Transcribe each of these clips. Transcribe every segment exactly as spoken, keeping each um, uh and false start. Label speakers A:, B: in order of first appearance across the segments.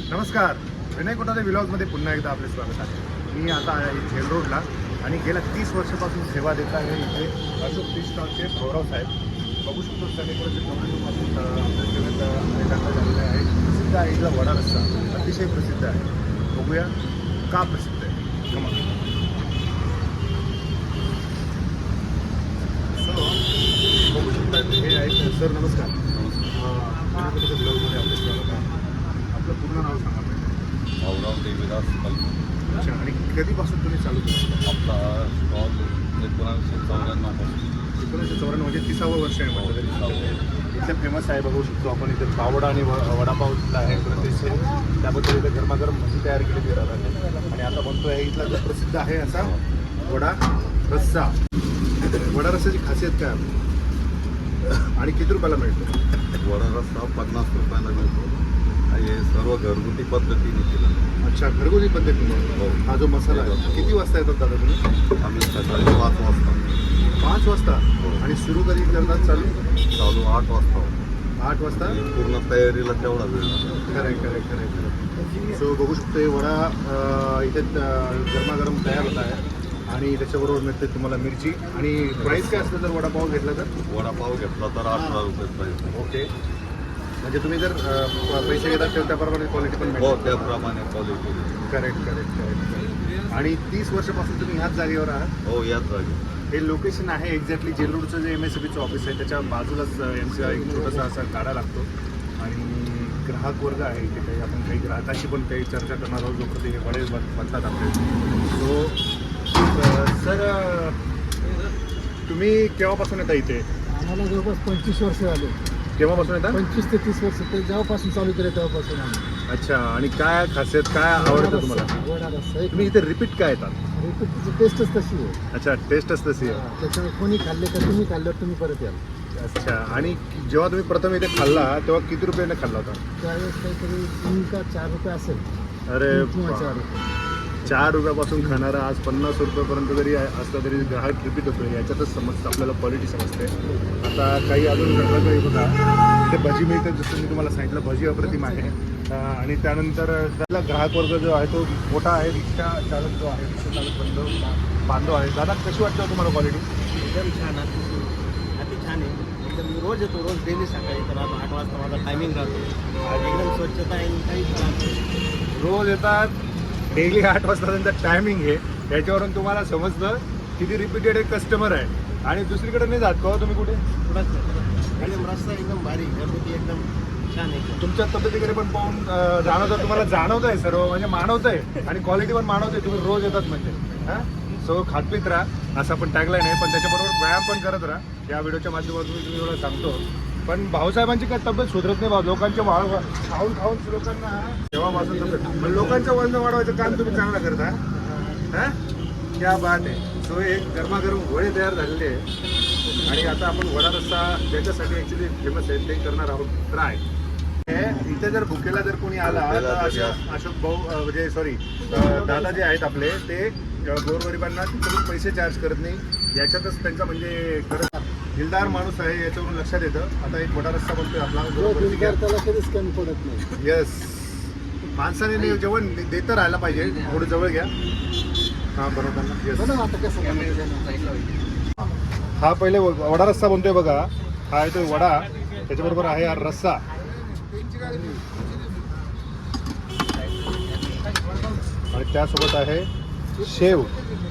A: नमस्कार, विनय कोठारे व्लॉग्समध्ये पुन्हा एकदा आपले स्वागत आहे. मी आता आहे झेल रोडला आणि गेल्या तीस वर्षापासून सेवा देत आहे इथे अशोक टी स्टॉलचे गौरव साहेब. बघू शकतो सगळीकडचे टोमॅटोपासून आपल्या सेवेत अनेकांना झालेले आहे. प्रसिद्ध आहे इथला वडा रस्सा, अतिशय प्रसिद्ध आहे. बघूया का प्रसिद्ध आहे. कमा सो बघू शकता हे आहेत सर. नमस्कार. नमस्कार. ब्लॉगमध्ये आपले स्वागत आहे. आपलं पूर्ण नाव सांगा पाहिजे.
B: भाऊराव देवीदास कलम.
A: अच्छा, आणि कधीपासून तुम्ही चालू केलं?
B: आपला स्टॉल एकोणावीसशे चौऱ्याण्णव पासून
A: एकोणीसशे चौऱ्याण्णव म्हणजे तिसावं वर्ष आहे म्हटलं तरी. इथलं फेमस आहे, बघू शकतो आपण. इथे पावडा आणि व वडापाव इथला आहे प्रतिष्ठे. त्याबद्दल इथे गरमागरम भजी तयार केली जातात आणि आता बनतो आहे इथला जो प्रसिद्ध आहे असा वडा रस्सा. वडा रस्साची खासियत काय आणि किती रुपयाला मिळतो?
B: वडा रस्सा पन्नास रुपयाला मिळतो. हे सर्व घरगुती पद्धतीने केलं.
A: अच्छा, घरगुती पद्धतीने.
B: हो.
A: हा जो मसाला आहे किती वाजता येतात दादा तुम्ही?
B: आम्ही सकाळी पाच वाजता
A: पाच वाजता.
B: हो.
A: आणि सुरू कधी करतात चालू?
B: चालू आठ वाजता.
A: आठ वाजता.
B: पूर्ण तयारीला तेवढा वेळ लागतो.
A: खरं खरं खरं खरं सो बघू शकतो हे वडा अं, इथे अं, गरमागरम तयार होत आहे आणि त्याच्याबरोबर मिळते तुम्हाला मिरची. आणि प्राईस काय असतं जर वडापाव घेतला तर?
B: वडापाव घेतला तर अठरा रुपये प्राईस.
A: ओके, म्हणजे तुम्ही जर अं, पैसे घेतात तर त्याप्रमाणे क्वालिटी पण
B: हो,
A: मिळते.
B: त्याप्रमाणे क्वालिटी.
A: Correct correct correct. आणि तीस वर्षापासून तुम्ही ह्याच जागेवर आहात?
B: हो, याच जागी.
A: हे लोकेशन आहे एक्झॅक्टली जेल रोडचं जे एम एस सी बीचं ऑफिस आहे त्याच्या बाजूलाच यांचा एक छोटासा असा गाडा लागतो. आणि ग्राहक वर्ग आहे इथे. काही आपण काही ग्राहकाशी पण काही चर्चा करणार आहोत जो ते हे वडे बन- बनतात आपले. सो सर, तुम्ही केव्हापासून येता इथे?
C: आम्हाला जवळपास पंचवीस वर्ष झाले.
A: केव्हापासून येता?
C: पंचवीस ते तीस वर्ष ते जेव्हापासून चालू केलं तेव्हापासून आम्ही.
A: अच्छा, आणि काय खासियत काय आवडतं तुम्हाला?
C: वडा रस्सा एक
A: तुम्ही इथे रिपीट काय येतात?
C: रिपीटची टेस्टच तशी आहे.
A: अच्छा, टेस्टच तशी आहे.
C: त्याच्यामुळे कोणी खाल्ले तर तुम्ही खाल्ल्यावर तुम्ही परत याल.
A: अच्छा, आणि जेव्हा तुम्ही प्रथम इथे खाल्ला तेव्हा किती रुपयाने खाल्ला होता?
C: त्यावेळेस काहीतरी तीन का चार रुपये असेल.
A: अरे
C: तीन किंवा
A: बा.
C: चार रुपये.
A: चार रुपयापासून खाणारा आज पन्नास रुपयापर्यंत जरी असला तरी ग्राहक रिपीट होतो. याच्यातच समजतं आपल्याला क्वालिटी समजते. आता काही अजून घडलं काही बघा, ते भजी मिळते जसं मी तुम्हाला सांगितलं. भजी अप्रतिम आहे. अं, आणि त्यानंतर त्याला ग्राहक वर्ग जो आहे तो मोठा आहे. रिक्षा चालक जो आहे, रिक्षा चालक बंधव बांधव आहे. दादा, कशी वाटतं तुम्हाला क्वालिटी?
D: एकदम छान, अति अति छान आहे. एकदम मी रोज येतो, रोज डेली सकाळी तर आज आठ वाजता माझा टायमिंग राहतो. आज एकदम स्वच्छता आहे आणि काहीच त्रास नाही.
A: रोज येतात, डेली आठ वाजता त्यांचा टायमिंग आहे. याच्यावरून तुम्हाला समजतं किती रिपीटेड एक कस्टमर आहे. आणि दुसरीकडे नाही जात का तुम्ही कुठे?
D: थोडाच नाही. एकदम रस्ता एकदम भारी, घरगुती एकदम छान आहे.
A: तुमच्या तब्येतीकडे पण पाहून अं, जाणवतं, तुम्हाला जाणवत आहे सर्व, म्हणजे मानवत आहे आणि क्वालिटी पण मानवत आहे. तुम्ही रोज येतात म्हणजे. हां, सो खातपीत राहा असं पण टॅगलाईन आहे. पण त्याच्याबरोबर व्यायाम पण करत राहा. या व्हिडिओच्या माध्यमातून मी तुम्ही एवढं सांगतो. पण भाऊसाहेबांची काय तब्येत सुधरत नाही भाऊ. लोकांच्या वाढ खाऊन खाऊन लोकांना तेव्हापासून तब्येत, पण लोकांचं वजन वाढवायचं काम तुम्ही चांगलं करता. हां, क्या बात आहे. सो एक गरमागरम वडे तयार झालेले आहे आणि आता आपण वडा रस्सा ज्याच्यासाठी ॲक्च्युली फेमस आहे ते करणार आहोत ट्राय. इथे जर भुकेला जर कोणी आला तर अशोक अशोक भाऊ अं, म्हणजे सॉरी दादा जे आहेत आपले ते अं, गोरगरिबांना तिकडून पैसे चार्ज करत नाही. याच्यातच त्यांचा म्हणजे खरं दिलदार माणूस आहे याच्यावरून लक्षात येतं. आता एक वडा रस्सा बनतोय आपला.
C: जो दिलदार त्याला कधीच कमी पडत नाही.
A: येस, माणसाने ने- जेवण देतं राहायला पाहिजे. थोडं जवळ घ्या. हां, बरोबर ना. येस.
C: बघा आता कसं बनवायचं.
A: हा पहिले व- वडा रस्सा बनतोय बघा. हा आहे तो वडा, त्याच्याबरोबर आहे हा रस्सा. आणि त्यासोबत आहे शेव.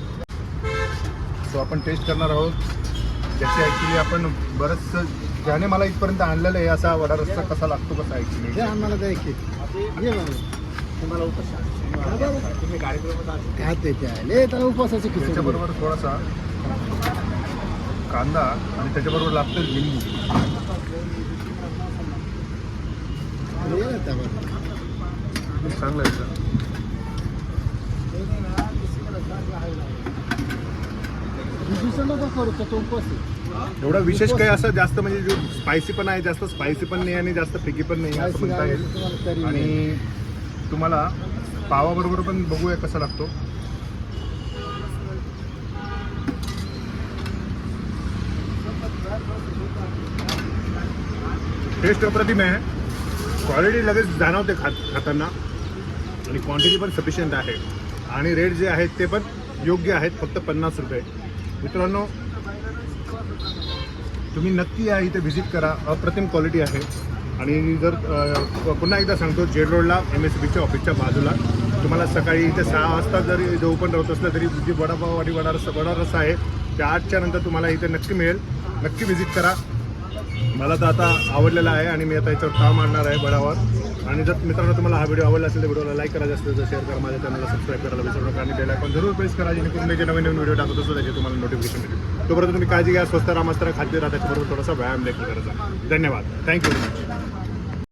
A: सो आपण टेस्ट करणार आहोत. ज्याचे ॲक्च्युली आपण बरंचसं ज्याने मला इथपर्यंत आणलेलं आहे असा वडा रस्सा कसा लागतो कसा
C: हे
A: ॲक्च्युली.
C: आम्हाला द्या की. ये बाबा.
D: तुम्हाला उपवास तुम्ही कार्यक्रमात असेल.
C: खाते ते आहे. लय त्याला उपवासाची खिचडी.
A: त्याच्याबरोबर थोडासा कांदा आणि त्याच्याबरोबर लागतं लिंबू.
C: ये ना त्यावर.
A: चांगलं आहे सर.
C: दुसरं नको करू का तो उपवास आहे.
A: एवढा विशेष काही असं जास्त म्हणजे जो स्पायसी पण आहे, जास्त स्पायसी पण नाही आणि जास्त फिकी पण नाही असं म्हणता येईल.
C: तुम्हाला तरी
A: आणि तुम्हाला पावाबरोबर पण बघूया कसा लागतो. टेस्ट अप्रतिम आहे. क्वालिटी लगेच जाणवते खात खाताना. आणि क्वांटिटी पण सफिशियंट आहे आणि रेट जे आहेत ते पण योग्य आहेत, फक्त पन्नास रुपये. मित्रांनो तुम्ही नक्की या इथे व्हिजिट करा, अप्रतिम क्वालिटी आहे. आणि जर अ, पुन्हा एकदा सांगतो, जेड रोडला एम एस बीच्या ऑफिसच्या बाजूला तुम्हाला सकाळी इथे सहा वाजता जरी इथे ओपन राहत असलं तरी जी वडापाव आणि वडा रस्सा वडा रस्सा आहे त्या आठच्या नंतर तुम्हाला इथे नक्की मिळेल. नक्की व्हिजिट करा. मला तर आता आवडलेला आहे आणि मी आता याच्यावर काम आणणार आहे वडावर. आणि जर मित्रांनो तुम्हाला हा व्हिडिओ आवडला असेल तर व्हिडिओला लाईक करा, जास्त जास्त शेअर करा, माझ्या चॅनलला सबस्क्राईब करायला विसरू नका आणि बेल आयकॉन जरूर प्रेस करा, जेणेकरून मी जे नवीन नवीन व्हिडिओ टाकत असतो त्याचे तुम्हाला नोटिफिकेशन मिळेल. तोपर्यंत तुम्ही काळजी घ्या, स्वस्त राहा, मस्त राहा, खाद्य राहा, त्याच्याबरोबर थोडासा व्यायाम देखील करायचा. धन्यवाद. Thank you very much.